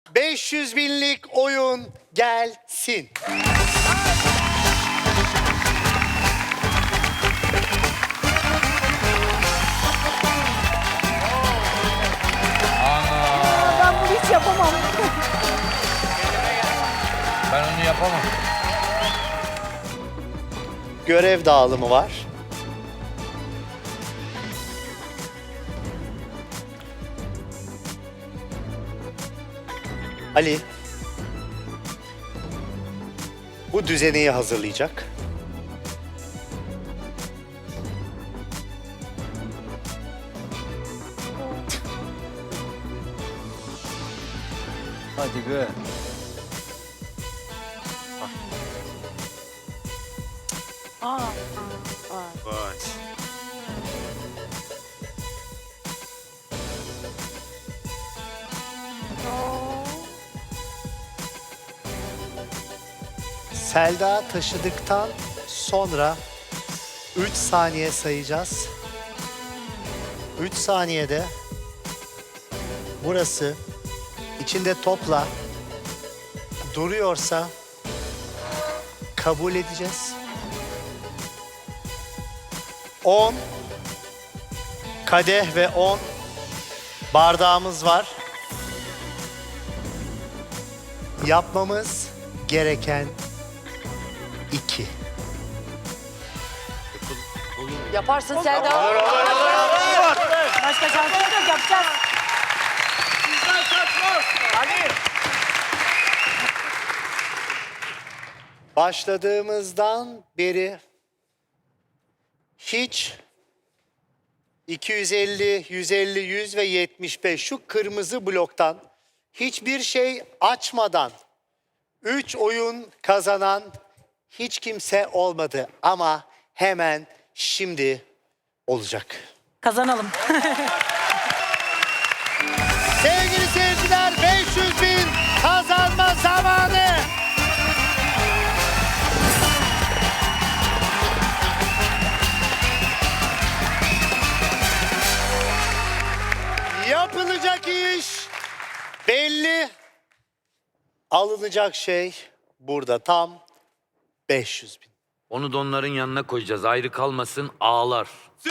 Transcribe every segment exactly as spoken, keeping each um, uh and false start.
beş yüz binlik oyun gelsin. Ben bunu hiç yapamam. Ben onu yapamam. Görev dağılımı var. Ali bu düzeneyi hazırlayacak. Hadi be. Aa. Vay. Selda taşıdıktan sonra üç saniye sayacağız. üç saniyede burası içinde topla duruyorsa kabul edeceğiz. on kadeh ve on bardağımız var. Yapmamız gereken iki. Yaparsın Selda. Başka şansın yok, yapacağız. Başladığımızdan beri hiç iki yüz elli, yüz elli, yüz ve yetmiş beş şu kırmızı bloktan hiçbir şey açmadan üç oyun kazanan hiç kimse olmadı ama hemen şimdi olacak. Kazanalım. Sevgili seyirciler, beş yüz bin kazanma zamanı. Yapılacak iş belli. Alınacak şey burada tam beş yüz bin. Onu da onların yanına koyacağız. Ayrı kalmasın, ağlar.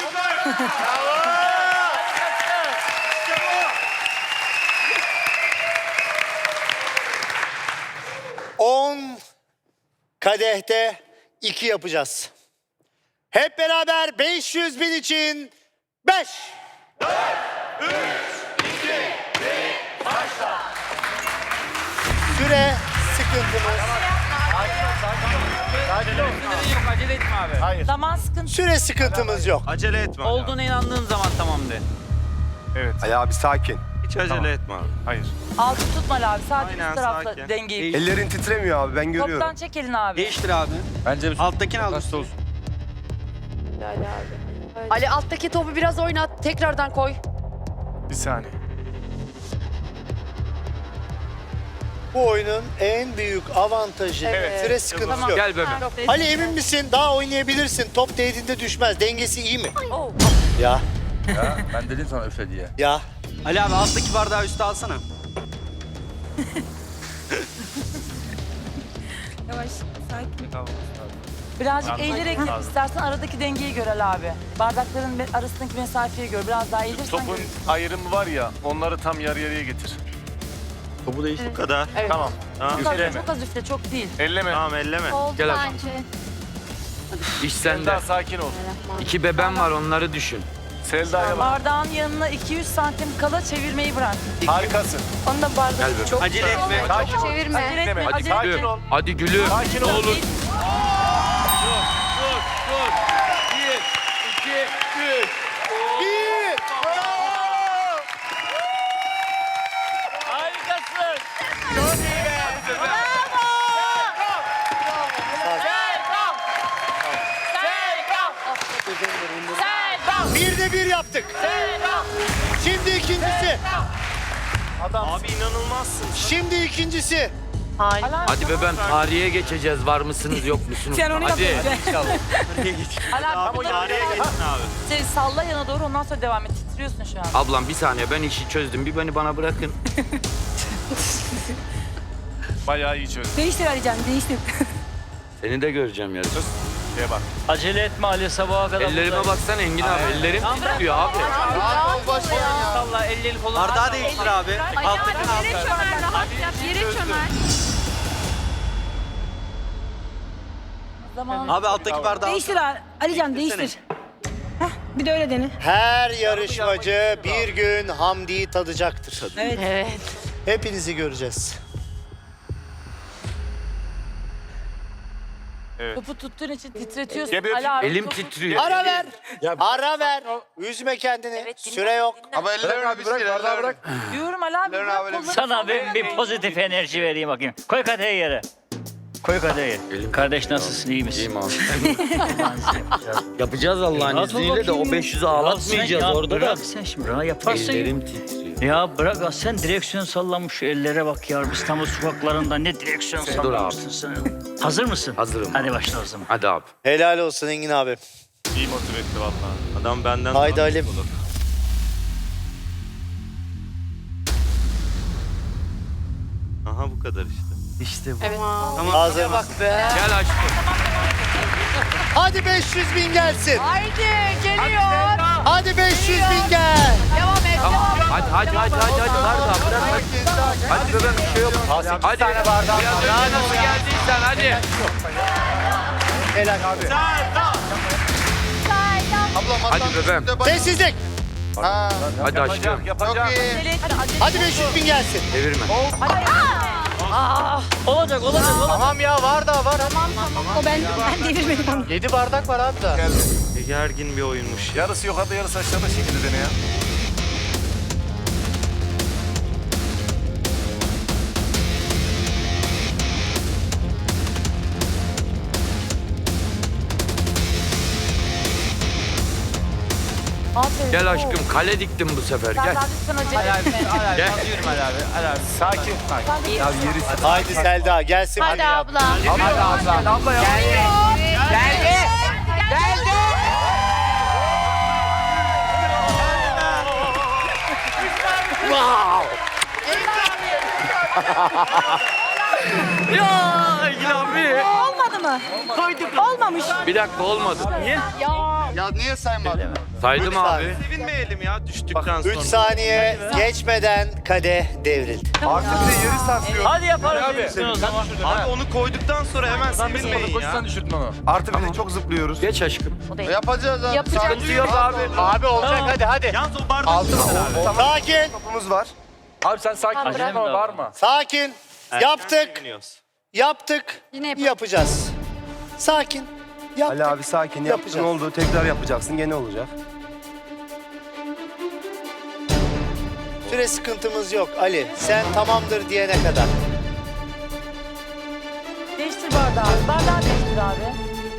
on kadehte iki yapacağız. Hep beraber beş yüz bin için beş. Süre sıkıntımız. Acele etme abi. Zaman sıkıntı. Süre sıkıntımız yok. Acele etme Ali abi. Olduğuna inandığın zaman tamam de. Ali abi sakin. Hiç acele etme abi. Hayır. Altı tutma abi. Sadece Aynen, üst tarafla sakin. dengeyi. Ellerin titremiyor abi ben görüyorum. Toptan çek elini abi. Değiştir abi. Bence Alttakini al üstüne. Ali alttaki topu biraz oynat. Tekrardan koy. Bir saniye. Bu oyunun en büyük avantajı Evet. süre sıkıntısı Tamam. yok. Gel bebeğim. Ali emin misin? Daha oynayabilirsin. Top değdiğinde düşmez. Dengesi iyi mi? Oh. Ya, Ya ben dedim sana üfle diye. ya. Ali abi alttaki bardağı üste alsana. Yavaş, sakin. Birazcık eğilerek yap istersen aradaki dengeyi gör Ali abi. Bardakların me- arasındaki mesafeyi gör. Biraz daha eğilirsen Topun görürsün. ayrımı var ya onları tam yarı yarıya getir. Bu da bu kadar. Evet. Tamam. Tamam. Çok az, çok az üfle, çok değil. Elleme. Tamam elleme. Gel abi. İş sende. Selda sakin ol. İki bebem var, onları düşün. Selda'ya bak. Bardağın yanına iki yüz santim kala çevirmeyi bırak. Harikasın. Onu da bardağı Gel bebeğim. çok Acele etme. Sakin ol. Çevirme. Acele etme, Hadi acele sakin etme. ol. Hadi gülüm. Sakin Ne ol. olur. Bir. Bir de bir yaptık. Şimdi ikincisi. Abi inanılmazsın. Şimdi ikincisi. Hadi bebeğim, tarihe geçeceğiz. Var mısınız, yok musunuz? Sen onu Hadi. Ala Tam o tarihe geçsin abi. şey, salla yana doğru, ondan sonra devam et. Titriyorsun şu an. Ablam bir saniye, ben işi çözdüm. Bir beni bana bırakın. Bayağı iyi çözdün. Değiştir Alican, değiştir. Seni de göreceğim yarın. Şeye bak. Acele etme Ali sabaha kadar. Ellerime baksana Engin abi. Ellerim titriyor abi. Allah elleri kolunu. Bardağı değiştir abi. Alttaki Yere çömer, rahat yap. Yere çömer. Zaman Abi alttaki bardağı. Değiştir Ali- Alican, değiştir. Heh, bir de öyle dene. Her yarışmacı bir gün Hamdi'yi tadacaktır. Evet. evet. Hepinizi göreceğiz. Topu tuttuğun için titretiyorsun. Gebe- Ali abi, Elim topu- titriyor. Ara ver. Ara ver. Üzme kendini. Süre yok. Ama ellerini bırak, bardağı bırak. Diyorum Ali abi. bırak kolları Sana salla. ben bir pozitif enerji vereyim bakayım. Koy kadehi yere. Koy kadehi. Elim Kardeş nasılsın, iyi misin? İyiyim abi. Yapacağız Allah'ın Rahat ol izniyle de o bakayım. beş yüzü Ya ağlatmayacağız sen ya orada da. bırak sen şimdi rahat yaparsın. Ellerim titriyor. Ya bırak ya, sen direksiyon sallamış şu ellere bak ya. İstanbul sokaklarında ne direksiyon Dur sallamışsın sen. Hazır mısın? Hazırım. Hadi başla o zaman. Hadi abi. Helal olsun Engin abi. İyi motive etti valla. Adam benden Haydi daha Ali. olur. Aha bu kadar işte. İşte bu. Evet. Hazır mısın? Gel aşkım. Hadi beş yüz bin gelsin. Haydi geliyor. Hadi beş yüz bin gel. Devam et. Tamam. Devam et. Hadi hadi hadi hadi hadi. Bardağı bırak hadi. Hadi bebeğim bir şey yok. Hadi. Biraz önce nasıl geldiysen hadi. Helal abi. Hadi bebeğim. Sessizlik. Hadi aşkım. Hadi beş yüz bin gelsin. Çevirme. Olacak olacak olacak. Tamam ya var da var. O ben, ben devirmedim onu. yedi bardak var abi da. Gergin bir oyunmuş. Yarısı yukarıda, yarısı aşağıda şekilde dene ya. Aferin. Gel aşkım. Kale diktim bu sefer. Gel. Serdar lütfen acele etme. Gel. Sakin. Haydi Selda gelsin. Hadi abla. Abla ya. Ya Engin abi. Olmadı mı? Koyduk. Olmamış. Bir dakika olmadı. Niye? Ya niye saymadın? Saydım Lütfen. abi. Sevinmeyelim ya düştükten üç sonra. saniye geçmeden kadeh devrildi. Artık bir de yarı sarsıyor. Hadi yaparız abi. O zaman. Abi onu koyduktan sonra hemen sevinmeyin ya. düşürdün onu. Artık bir de çok zıplıyoruz. Geç aşkım. Yapacağız abi. Yapacak. Sıkıntı yok abi. Abi olacak hadi hadi. Yalnız o bardak Sakin. Topumuz var. Abi sen sakin ol. Bırak. Var mı? Sakin. Yaptık. seviniyoruz. Yaptık. Yine yapalım. Yapacağız. Sakin. Yaptık. Ali abi sakin yaptın Yapacağız. oldu tekrar yapacaksın gene olacak. Süre sıkıntımız yok Ali. Sen tamamdır diyene kadar. Değiştir bardağı. Bardağı değiştir abi.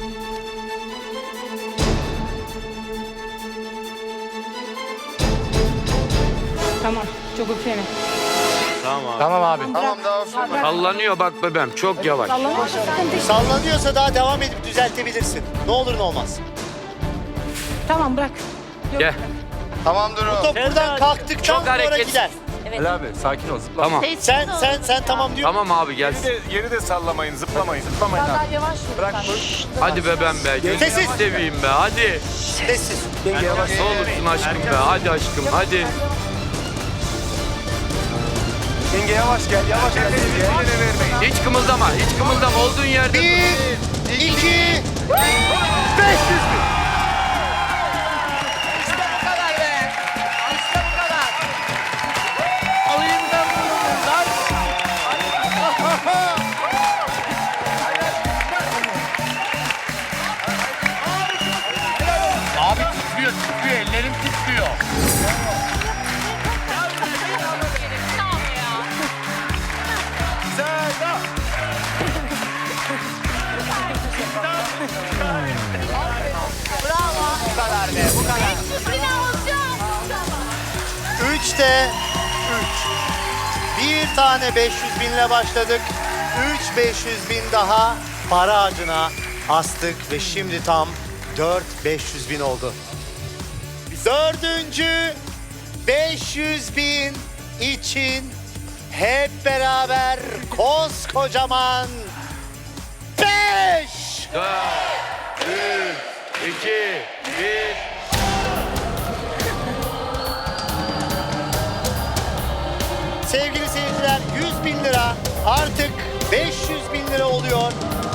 Tamam. Çok üfleme. Tamam abi. Tamam abi. Tamam daha sonra. Sallanıyor bak bebeğim. Çok yavaş. Sallanırsa sıkıntı işte. Sallanıyorsa daha devam edip düzeltebilirsin. Ne olur ne olmaz. Tamam bırak. Gel. Tamam dur o. Top buradan kalktıktan Çok sonra hareketsiz. gider. Ali abi sakin ol zıpla. Tamam. Sen sen sen tamam diyor. Tamam abi Yeri gelsin. de, yeri de sallamayın, zıplamayın. Zıplamayın Biraz abi. daha yavaş yürü. Bırak sen. dur. Hadi bebeğim be. Gözünü Sessiz. seveyim be. Hadi. Sessiz. Yenge yavaş. Ne olursun aşkım be. Hadi aşkım hadi. Yenge yavaş gel yavaş gel. Eline vermeyin. Hiç kımıldama. Hiç kımıldama. Olduğun yerde. Bir, iki, beş yüz bin. Abi titriyor, titriyor. Ellerim titriyor. Üçte üç. Bir tane beş yüz binle başladık. Üç beş yüz bin daha para ağacına astık ve şimdi tam dört beş yüz bin oldu. Dördüncü beş yüz bin için hep beraber koskocaman beş. İki, bir. Sevgili seyirciler, yüz bin lira artık beş yüz bin lira oluyor.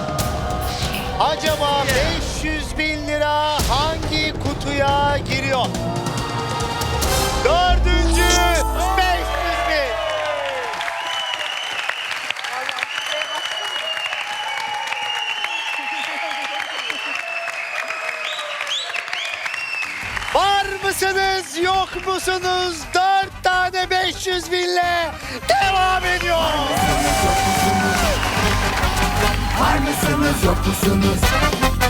Acaba beş yüz bin lira hangi kutuya giriyor? Dördüncü beş yüz bin. Var mısınız, yok musunuz? Dört tane beş yüz binle devam ediyor. Var mısınız yok musunuz?